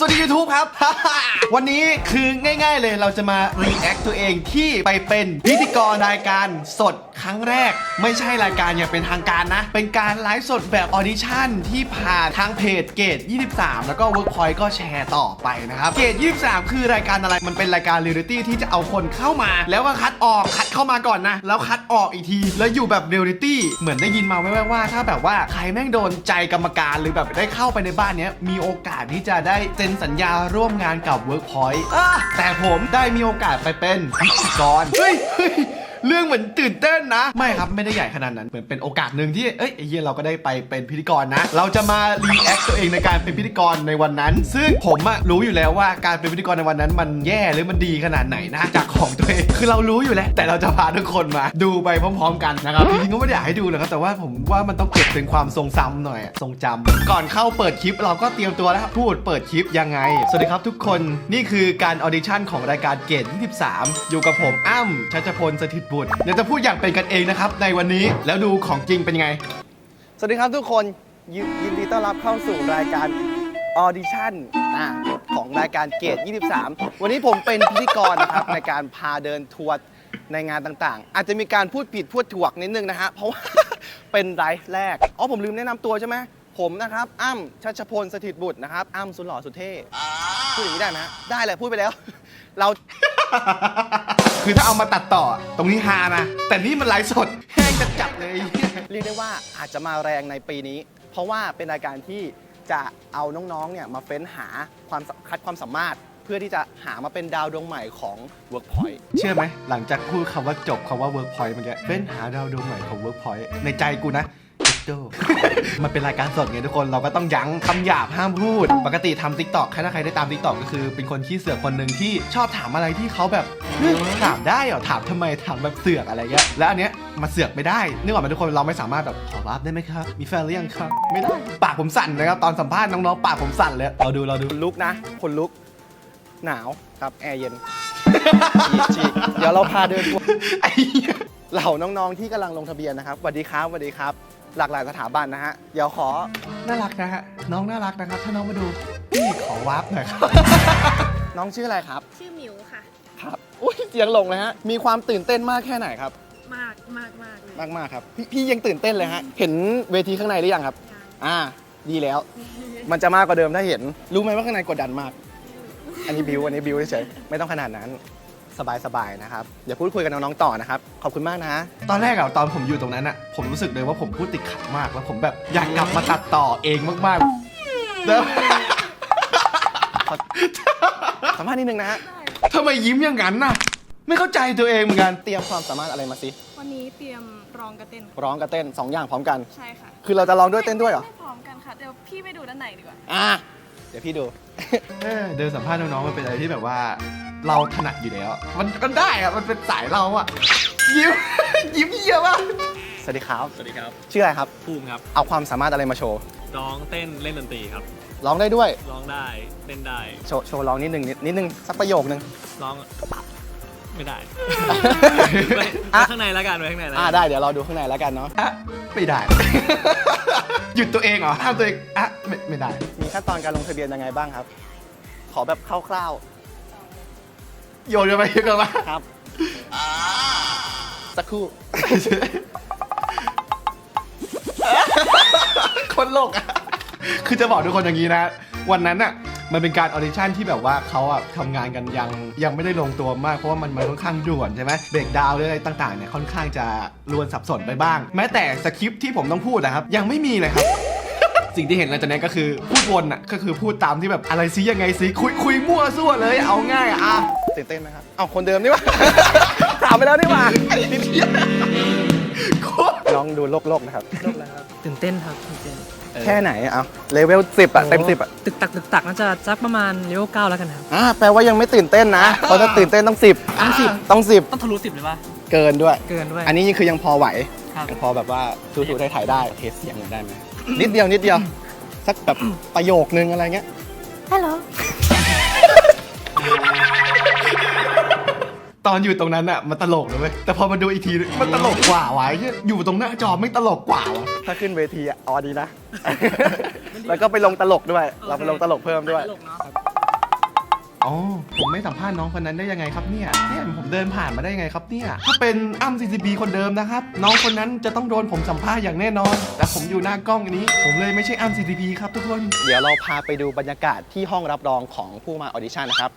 วัสดี YouTube ครับ วันนี้คือง่ายๆเลยเราจะมา react ตัวเองที่ไปเป็นพิธีกรรายการสดครั้งแรกไม่ใช่รายการอย่างเป็นทางการนะเป็นการไลฟ์สดแบบออดิชั่นที่ผ่านทางเพจเกต23แล้วก็ Workpoint ก็แชร์ต่อไปนะครับเกต23คือรายการอะไรมันเป็นรายการเรียลลิตี้ที่จะเอาคนเข้ามาแล้วก็คัดออกคัดเข้ามาก่อนนะแล้วคัดออกอีกทีแล้วอยู่แบบเรียลลิตี้เหมือนได้ยินมาแว่วๆว่าถ้าแบบว่าใครแม่งโดนใจกรรมการหรือแบบได้เข้าไปในบ้านนี้มีโอกาสที่จะได้เซ็นสัญญาร่วมงานกับ Workpoint แต่ผมได้มีโอกาสไปเป็นพิธีกรเฮ้ยเรื่องเหมือนตื่นเต้นนะไม่ครับไม่ได้ใหญ่ขนาดนั้นเหมือนเป็นโอกาสหนึ่งที่ไอ้เหี้ยเราก็ได้ไปเป็นพิธีกรนะเราจะมารีแอคตัวเองในการเป็นพิธีกรในวันนั้นซึ่งผมรู้อยู่แล้วว่าการเป็นพิธีกรในวันนั้นมันแย่หรือมันดีขนาดไหนนะจากของตัวเองคือเรารู้อยู่แล้วแต่เราจะพาทุกคนมาดูไปพร้อมๆกันนะครับจริงๆก็ไม่ได้อยากให้ดูหรอกครับแต่ว่าผมว่ามันต้องเก็บเป็นความทรงจำหน่อยทรงจำก่อนเข้าเปิดคลิปเราก็เตรียมตัวแล้วพูดเปิดคลิปยังไงสวัสดีครับทุกคนนี่คือการออดิชั่นของรายการเกต23อยู่กับผมอ้ำชัชพลสถิตบุตรเดี๋ยวจะพูดอย่างเป็นกันเองนะครับในวันนี้แล้วดูของจริงเป็นไงสวัสดีครับทุกคนยินดีต้อนรับเข้าสู่รายการออดิชั่นของรายการเกต23วันนี้ผมเป็นพิธีกรนะครับในการพาเดินทัวร์ในงานต่างๆอาจจะมีการพูดผิดพูดถูกนิดนึงนะฮะเพราะว่า เป็นไลฟ์แรกผมลืมแนะนำตัวใช่ไหมผมนะครับอ้ำชัชพลสถิตบุตรนะครับอ้ำสุดหล่อสุดเท่พูดอย่างนี้ได้ไหมได้แหละพูดไปแล้วเรา คือถ้าเอามาตัดต่อตรงนี้ฮานะแต่นี่มันไลฟ์สดแห้งจะจับเลย เรียกได้ว่าอาจจะมาแรงในปีนี้เพราะว่าเป็นรายการที่จะเอาน้องๆเนี่ยมาเฟ้นหาคัดความสามารถเพื่อที่จะหามาเป็นดาวดวงใหม่ของ Workpoint เชื่อไหมหลังจากพูดคำว่าจบคำว่า Workpoint เมื่อกี้เฟ้นหาดาวดวงใหม่ของ Workpoint ในใจกูนะมันเป็นรายการสดไงทุกคนเราก็ต้องยั้งคำหยาบห้ามพูดปกติทำ TikTok ถ้าใครได้ตาม TikTok ก็คือเป็นคนขี้เสือกคนหนึ่งที่ชอบถามอะไรที่เขาแบบถามได้เหรอถามทำไมถามแบบเสือกอะไรเงี้ยแล้วอันเนี้ยมาเสือกไม่ได้นึกออกไหมทุกคนเราไม่สามารถแบบขอรับได้ไหมครับมีแฟนหรือยังครับไม่ได้ปากผมสั่นนะครับตอนสัมภาษณ์น้องๆปากผมสั่นเลยเราดูลุกนะคนลุกหนาวครับแอร์เย็นฉีกเดี๋ยวเราพาเดินทัวร์เหล่าน้องๆที่กำลังลงทะเบียนนะครับสวัสดีครับหลากหลายสถาบันนะฮะเดี๋ยวขอน่ารักนะฮะน้องน่ารักนะครับถ้าน้องมาดูพี่ขอวาร์ปหน่อยครับ น้องชื่ออะไรครับชื่อหมิวค่ะครับอุ้ยเสียงหลงเลยฮะมีความตื่นเต้นมากแค่ไหนครับมากเลยมากครับพี่ยังตื่นเต้นเลยฮะเห็นเวทีข้างในหรือยังครับดีแล้ว มันจะมากกว่าเดิมถ้าเห็นรู้ไหมว่าข้างในกดดันมากอันนี้บิวเฉยไม่ต้องขนาดนั้นสบายนะครับเดี๋ยวพูดคุยกับน้องๆต่อนะครับขอบคุณมากนะตอนแรกตอนผมอยู่ตรงนั้นผมรู้สึกเลยว่าผมพูดติดขัดมากแล้วผมแบบอยากกลับมาตัดต่อเองมากๆแล้วสัมภาษณ์นิดนึงนะฮะทำไมยิ้มอย่างนั้นน่ะไม่เข้าใจตัวเองเหมือนกันเตรียมความสามารถอะไรมาสิวันนี้เตรียมร้องกับเต้น 2 อย่างพร้อมกันใช่ค่ะคือเราจะร้องด้วยเต้นด้วยเหรอไม่พร้อมกันค่ะเดี๋ยวพี่ไปดูด้านไหนดีกว่าเดี๋ยวพี่ดูเดินสัมภาษณ์น้องๆมันเป็นอะไรที่แบบว่าเราถนัดอยู่แล้วมันได้อะมันเป็นสายเราอะยิ้มเยอะมากสวัสดีครับชื่ออะไรครับภูมิครับเอาความสามารถอะไรมาโชว์ร้องเต้นเล่นดนตรีครับร้องได้ด้วยร้องได้เต้นได้โชว์ร้องนิดนึงสักประโยคนึงร้องไม่ได้ ข้างในแล้วกันไว้ข้างในแล้วได้เดี๋ยวเราดูข้างในแล้วกันเนาะไม่ได้ หยุดตัวเองเหรอห้ามตัวเองไม่ได้มีขั้นตอนการลงทะเบียนยังไงบ้างครับขอแบบคร่าวๆโยนกันไปครับสักครู่ คนโลกคือจะบอกทุกคนอย่างนี้นะวันนั้นอะมันเป็นการออดิชั่นที่แบบว่าเขาทำงานกันยังไม่ได้ลงตัวมากเพราะว่ามันค่อนข้างด่วนใช่ไหมเบรกดาวน์อะไรต่างๆเนี่ยค่อนข้างจะรวนสับสนไปบ้างแม้แต่สคริปต์ที่ผมต้องพูดนะครับยังไม่มีเลยครับ สิ่งที่เห็นหลังจากนั้นก็คือพูดวนก็คือพูดตามที่แบบอะไรซิยังไงซิคุยมั่วซั่วเลยเอาง่ายตื่นเต้นไหมครับเอาคนเดิมนี่วะ ถามไปแล้วนี่หว่าน้องดูโลกนะครับตื่นเต้นครับตื่นเต้นแค่ไหนเอาเลเวล10เต็ม10 ตึกตักน่าจะสักประมาณเลเวล9แล้วกันครับแปลว่ายังไม่ตื่นเต้นนะเพราะถ้าตื่นเต้นต้อง10ต้องทะลุ10เลยป่ะเกินด้วยอันนี้คือยังพอไหวยังพอแบบว่าสู้ๆถ่ายได้เทสเสียงได้ไหมนิดเดียวสักแบบประโยคนึงอะไรเงี้ยฮัลโหลตอนอยู่ตรงนั้นมันตลกเลยเว้ยแต่พอมาดูอีกทีมันตลกกว่าวะอยู่ตรงหน้าจอไม่ตลกกว่าวะถ้าขึ้นเวทีดีนะ แล้วก็ไปลงตลกด้วยเราไปลงตลกเพิ่มด้วยอ๋อผมไม่สัมภาษณ์น้องคนนั้นได้ยังไงครับเนี่ยผมเดินผ่านมาได้ยังไงครับเนี่ยถ้าเป็นอ้ำ CCP คนเดิมนะครับน้องคนนั้นจะต้องโดนผมสัมภาษณ์อย่างแน่นอน แต่ผมอยู่หน้ากล้องอันนี้ ผมเลยไม่ใช่อ้ำ CCP ครับทุกคนเดี๋ยวเราพาไปดูบรรยากาศที่ห้องรับรองของผู้มาออดิชั่นนะครับ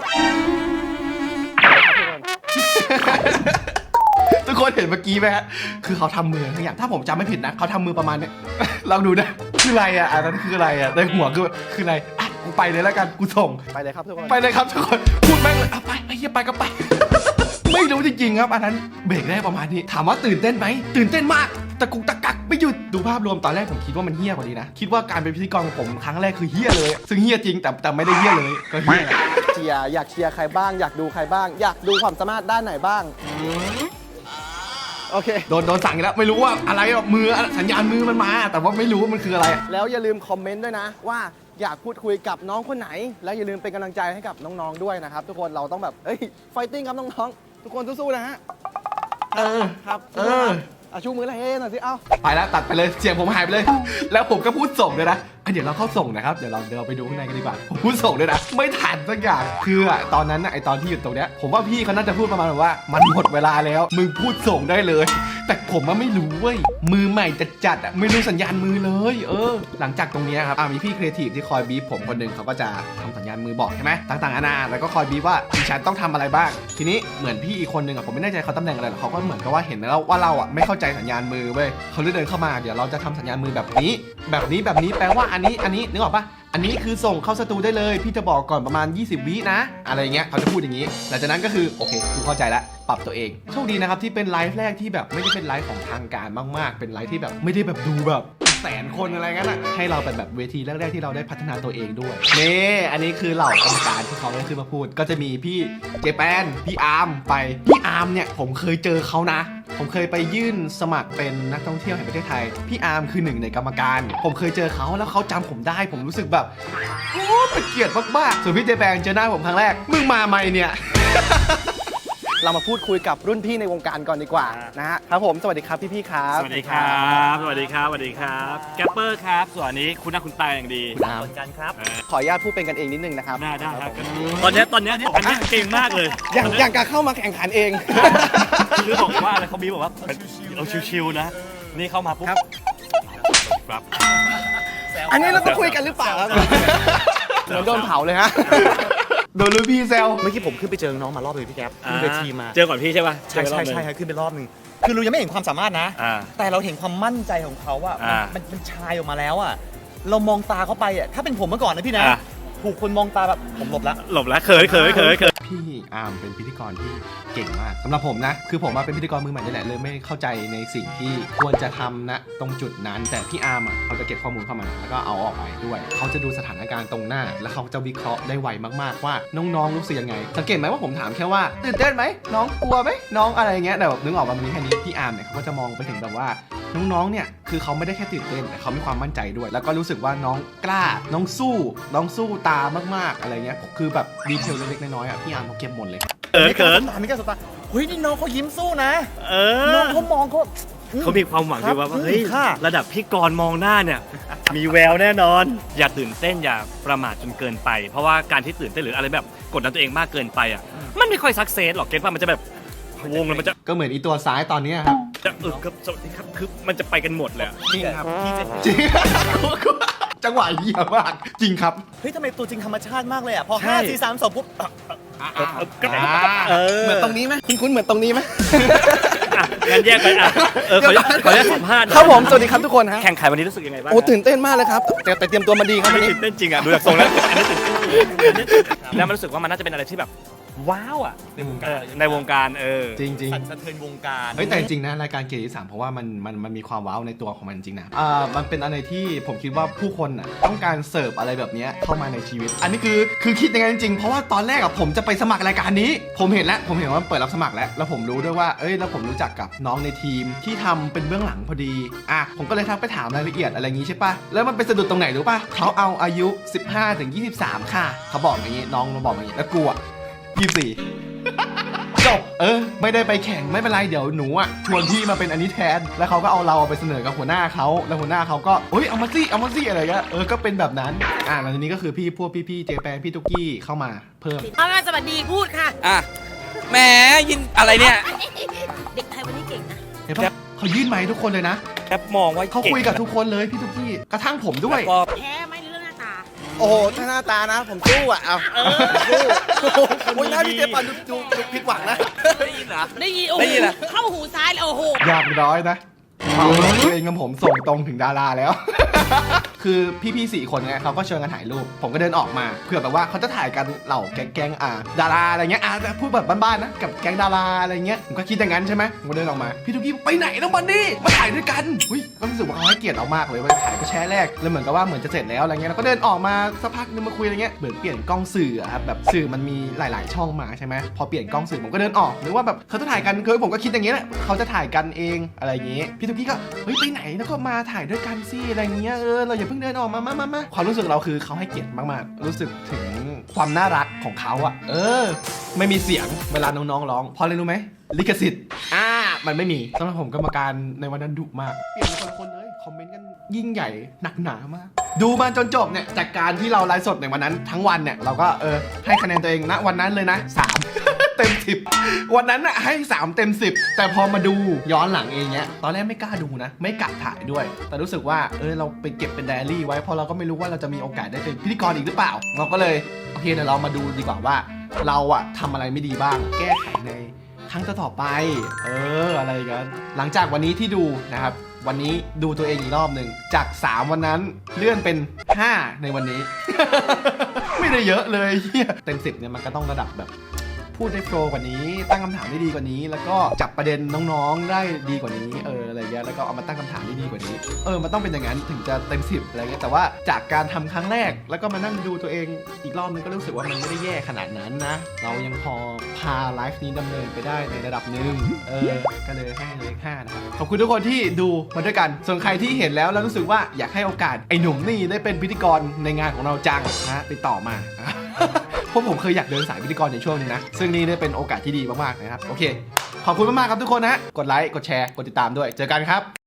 ทุกคนเห็นเมื่อกี้ไหมฮะคือเขาทำมือทั้งอย่างถ้าผมจำไม่ผิดนะเขาทำมือประมาณเนี้ย ลองดูนะคืออะไรอ่ะอันนั้นคืออะไรอ่ะในหัวคืออะไรอ่ะกูไปเลยแล้วกันกูส่งไปเลยครับทุกคนไปเลยครับทุกคนพูดแม่งเลยอ่ะไปไอ้เหี้ยไปก็ไป ไม่รู้จริงๆครับอันนั้นเบรกได้ประมาณนี้ถามว่าตื่นเต้นไหมตื่นเต้นมากตะกุกตะกักไม่หยุดดูภาพรวมตอนแรกผมคิดว่ามันเฮี้ยกว่านี้นะคิดว่าการเป็นพิธีกรของผมครั้งแรกคือเฮี้ยเลยซึ่งเฮี้ยจริงแต่ไม่ได้เฮี้ยเลยก็เฮี้ยแหละเชียร์อยากเชียร์ใครบ้างอยากดูใครบ้าง อยากดูความสามารถด้านไหนบ้าง โอเคโดนสั่งอีกแล้วไม่รู้ว่าอะไรหรอกมือสัญญาณมือมันมา แต่ว่าไม่รู้ว่ามันคืออะไรแล้วอย่าลืมคอมเมนต์ด้วยนะว่าอยากพูดคุยกับน้องคนไหน แล้วอย่าลืมเป็นกำลังใจให้กับน้องๆด้วยนะครับ ทุกคนเราต้องแบบไฟติ้งครับน้องๆทุกคนสู้ๆนะฮะเออครับ ชูมือเลยหน่อยสิเอ้าไปแล้วตัดไปเลยเสียงผมหายไปเลย แล้วผมก็พูดส่งด้วยนะเดี๋ยวเราเข้าส่งนะครับเดี๋ยวเราไปดูข้างในกันดีกว่าผมพูดส่งด้วยนะไม่ทันสักอย่างคือตอนนั้นไอตอนที่อยู่ตรงเนี้ยผมว่าพี่เขาน่าจะพูดประมาณว่ามันหมดเวลาแล้วมึงพูดส่งได้เลย แต่ผมไม่รู้เว้ยมือใหม่จัดไม่รู้สัญญาณมือเลยหลังจากตรงนี้ครับมีพี่ครีเอทีฟที่คอยบีบผมคนหนึ่งเขาก็จะทำสัญญาณมือบอกใช่ไหมต่างๆนานาแล้วก็คอยบีบว่าดิฉันต้องทำอะไรบ้างทีนี้เหมือนพี่อีกคนหนึ่งผมไม่แน่ใจเขาตำแหน่งอะไรหรอกเขาก็เหมือนกับว่าเห็นแล้วว่าเราไม่เข้าใจสัญญาณมือเว้ยเขาเลยเดินเข้ามาเดี๋ยวเราจะทำสัญญาณมือแบบนี้แปลว่าอันนี้นึกออกปะอันนี้คือส่งเข้าสตูได้เลยพี่จะบอกก่อนประมาณ20 วินะอะไรเงี้ยเขาจะพูดอย่างนี้หลังจากนั้นก็คือโอเคกูเข้าใจแล้วปรับตัวเองโชคดีนะครับที่เป็นไลฟ์แรกที่แบบไม่ได้เป็นไลฟ์ของทางการมากๆเป็นไลฟ์ที่แบบไม่ได้แบบดูแบบแสนคนอะไรงั้นอ่ะให้เราเป็นแบบเวทีแรกๆที่เราได้พัฒนาตัวเองด้วยนี่อันนี้คือเหล่ากรรมการที่เขาได้ขึ้นมาพูดก็จะมีพี่เจแปนพี่อาร์มไปพี่อาร์มเนี่ยผมเคยเจอเขานะผมเคยไปยื่นสมัครเป็นนักท่องเที่ยวแห่งประเทศไทยพี่อาร์มคือหนึ่งในกรรมการผมเคยเจอเขาแล้วเขาจำผมได้ผมรู้สึกแบบโอ้เป็นเกียรติมากๆส่วนพี่เจแปนเจอหน้าผมครั้งแรกมึงมาใหม่เนี่ยเรามาพูดคุยกับรุ่นพี่ในวงการก่อนดีกว่านะฮะครับผมสวัสดีครับพี่ๆครับสวัสดีครับ สวัสดีครับ สวัสดีครับแกปเปอร์ครับ ส่วนอันนี้คุณหน้าคุณตาอย่างดีเหมือนกันครับขออนุญาตพูดเป็นกันเองนิดนึงนะครับได้ครับตอนนี้อันนี้เก่งมากเลยอย่างการเข้ามาแข่งขันเองคือบอกว่าอะไรเขามีบอกว่าเราชิวๆนะ นี่เข้ามาปุ๊บครับครับอันนี้เราต้องคุยกันหรือเปล่าครับเหมือนโดนเผาเลยฮะโดนรุ่นพี่แซวเมื่อกี้ผมขึ้นไปเจอน้องมารอบนึงพี่แก๊ปขึ้นเวทีมาเจอก่อนพี่ใช่ป่ะใช่ครับขึ้นไปรอบนึงคือเรายังไม่เห็นความสามารถนะ แต่เราเห็นความมั่นใจของเขาอะมันชายออกมาแล้วอะเรามองตาเขาไปอะถ้าเป็นผมเมื่อก่อนนะพี่นะถูกคนมองตาแบบผมหลบแล้วเขยพี่อาร์มเป็นพิธีกรที่เก่งมากสำหรับผมนะคือผมมาเป็นพิธีกรมือใหม่นี่แหละเลยไม่เข้าใจในสิ่งที่ควรจะทำนะตรงจุดนั้นแต่พี่อาร์มเขาจะเก็บข้อมูลเข้ามาแล้วก็เอาออกไปด้วยเขาจะดูสถานการณ์ตรงหน้าแล้วเขาจะวิเคราะห์ได้ไวมากๆว่าน้องๆรู้สึกยังไงสังเกตไหมว่าผมถามแค่ว่าตื่นเต้นไหมน้องกลัวไหมน้องอะไรเงี้ยแต่แบบนึกออกมามันมีแค่นี้พี่อาร์มเนี่ยเขาก็จะมองไปถึงแบบว่าน้องๆเนี่ยคือเขาไม่ได้แค่ตื่นเต้นแต่เขามีความมั่นใจด้วยแล้วก็รู้สึกว่าน้องกล้าน้องสู้ตามากๆอะไรเงี้ยคือแบบดีเทลเล็กๆน้อยๆพี่อาร์มเขาเก็บหมดเลยเขินไม่กล้าสบตาเฮ้ยนี่น้องเขายิ้มสู้นะเอน้อองเขามองเขาเขามีความหวังที่ว่าเฮ้ยค่ะระดับพี่กรณ์มองหน้าเนี่ย มีแววแน่นอน อย่าตื่นเต้นอย่าประมาทจนเกินไป เพราะว่าการที่ตื่นเต้นหรืออะไรแบบกดดันตัวเองมากเกินไปอ่ะมันไม่ค่อยซักเซสหรอกเก็ตป่ะมันจะแบบวงแล้วมันจะก็เหมือนอีตัวซ้ายตอนเนี้ยครับครับสวัสดีครับคือมันจะไปกันหมดเลยอะจริงครับจริง จังหวะเหี้ยมากจริงครับเฮ้ยทำไมตัวจริงธรรมชาติมากเลยอ่ะพอ5 4 3 2ปุ๊บเหมือนตรงนี้ไหมคุ้นๆเหมือนตรงนี้ไหมงั้นแยกไปอ่ะขออนุญาตสัมภาษณ์ครับผมสวัสดีครับทุกคนฮะแข่งขันวันนี้รู้สึกยังไงบ้างโอ้ตื่นเต้นมากเลยครับแต่เตรียมตัวมาดีครับไม่วันนี้ตื่นเต้นจริงอ่ะดูจากทรงแล้วอันนี้ตื่นเต้นแล้วมันรู้สึกว่ามันน่าจะเป็นอะไรที่แบบว้าวอ่ะในวงการจริงสั่นสะเทือนวงการเฮ้ยแต่จริงๆนะรายการเกียรติ3เพราะว่ามันมีความว้าวในตัวของมันจริงนะมันเป็นอะไรที่ผมคิดว่าผู้คนอ่ะต้องการเสิร์ฟอะไรแบบนี้เข้ามาในชีวิต อันนี้คือคิดอย่างนั้นจริงๆเพราะว่าตอนแรกอ่ะผมจะไปสมัครรายการนี้ผมเห็นว่าเปิดรับสมัครแล้วผมรู้ด้วยว่าแล้วผมรู้จักกับน้องในทีมที่ทำเป็นเบื้องหลังพอดีผมก็เลยทักไปถามรายละเอียดอะไรอย่างงี้ใช่ปะแล้วมันไปสะดุดตรงไหนรู้ปะเขาเอาอายุ15 ถึง 23ค่ะเขาบอกอย่างงี้น้องมาบอกอย่างงี้แล้วกูอ่ะ24 จบไม่ได้ไปแข่งไม่เป็นไรเดี๋ยวหนูอ่ะชวนพี่มาเป็นอันนี้แทนแล้วเขาก็เอาเราไปเสนอกับหัวหน้าเขาแล้วหัวหน้าเขาก็เอามาสิอะไรเงี้ยก็เป็นแบบนั้นแล้วทีนี้ก็คือพี่เจแปนพี่ตุ๊กกี้เข้ามาเพิ่มเอางานสวัสดีพูดค่ะอ่ะแหมยินอะไรเนี่ยเด็กไทยวันนี้เก่งนะเห็นปะเขายื่นไมค์ทุกคนเลยนะแคปมองว่าเขาคุยกับทุกคนเลยพี่ตุ๊กกี้กระทั่งผมด้วยแล้วก็แพ้ไหมในเรื่องหน้าตาโอ้โหถ้าหน้าตานะ ผมสู้อ่ะเอาสู้โอ้ยหน้าพี่เจปันดูผิดหวังนะได้ยินเหรอได้ยินโอ้โหได้ยินอะเข้าหูซ้ายเลยโอ้โหอยากร้อยนะตัวเองกับผมส่งตรงถึงดาราแล้ว คือพี่ๆ4 คนเนี่ยเขาก็เชิญกันถ่ายรูปผมก็เดินออกมาเผื่อแบบว่าเขาจะถ่ายกันเหล่าแก๊งดาราอะไรเงี้ยพูดแบบบ้านๆนะกับแก๊งดาราอะไรเงี้ยผมก็คิดอย่างนั้นใช่ไหมผมก็เดินออกมาพี่ทุกกี้ไปไหนแล้วมันนี่มาถ่ายด้วยกันก็รู้สึกว่าเขาให้เกียรติเรามากเลยว่าถ่ายก็แชร์แรกแล้วเหมือนกับว่าเหมือนจะเสร็จแล้วอะไรเงี้ยแล้วก็เดินออกมาสักพักนึงมาคุยอะไรเงี้ยเหมือนเปลี่ยนกล้องสื่อครับแบบสื่อมันมีหลายๆช่องมาใช่ไหมพอเปลี่ยนกล้องสื่อผมก็เดินออกหรือว่าแบบเขาจะถ่ายกันคือผมก็คิดอย่างเงี้ยแหละเขาจะถ่ายกันเองอะไรอย่างงี้พี่ทุกกี้ก็ไปไหนแล้วก็มาถ่ายด้วยกันสิอะไรเงี้ยเราอย่าเพิ่งเดินออกมาความรู้สึกเราคือเขาให้เกียรติมากๆรู้สึกถึงความน่ารักของเขาไม่มีเสียงเวลาน้องๆร้องเพราะอะไรรู้ไหมลิขสิทธิ์มันไม่มีสำหรับผมกรรมการในวันนั้นดุมากเปลี่ยนเป็นคนเลยคอมเมนต์กันยิ่งใหญ่หนักหนามากดูมาจนจบเนี่ยจากการที่เราไลฟ์สดในวันนั้นทั้งวันเนี่ยเราก็ให้คะแนนตัวเองณวันนั้นเลยนะ3 เต็ม 10วันนั้นน่ะให้3 เต็ม 10แต่พอมาดูย้อนหลังเองเนี้ยตอนแรกไม่กล้าดูนะไม่กะถ่ายด้วยแต่รู้สึกว่าเราไปเก็บเป็นไดอารี่ไว้เพราะเราก็ไม่รู้ว่าเราจะมีโอกาสได้เป็นพิธีกรอีกหรือเปล่าเราก็เลยโอเคเดี๋ยวเรามาดูดีกว่าว่าเราทำอะไรไม่ดีบ้างแก้ไขในครั้งต่อไปอะไรกันหลังจากวันนี้ที่ดูนะครับวันนี้ดูตัวเองอีกรอบหนึ่งจาก3วันนั้นเลื่อนเป็น5ในวันนี้ ไม่ได้เยอะเลยเต็ม10เนี่ยมันก็ต้องระดับแบบพูดได้โฟล์กว่านี้ตั้งคำถามได้ดีกว่านี้แล้วก็จับประเด็นน้องๆได้ดีกว่านี้อะไรเงี้ยแล้วก็เอามาตั้งคำถามได้ดีกว่านี้มันต้องเป็นอย่างนั้นถึงจะเต็ม10อะไรเงี้ยแต่ว่าจากการทำครั้งแรกแล้วก็มานั่งดูตัวเองอีกรอบนึงก็รู้สึกว่ามันไม่ได้แย่ขนาดนั้นนะเรายังพอพาไลฟ์นี้ดำเนินไปได้ในระดับหนึ่งก็เลยให้เลข5นะครับขอบคุณทุกคนที่ดูมาด้วยกันส่วนใครที่เห็นแล้วรู้สึกว่าอยากให้โอกาสไอ้หนุ่มนี่ได้เป็นพิธีกรในงานของเราจังนะติดต่อมา เพราะผมเคยอยากเดินสายพิธีกรในช่วงนึงนะซึ่งนี่ได้เป็นโอกาสที่ดีมากๆนะครับโอเคขอบคุณมากๆครับทุกคนนะกดไลค์กดแชร์กดติดตามด้วยเจอกันครับ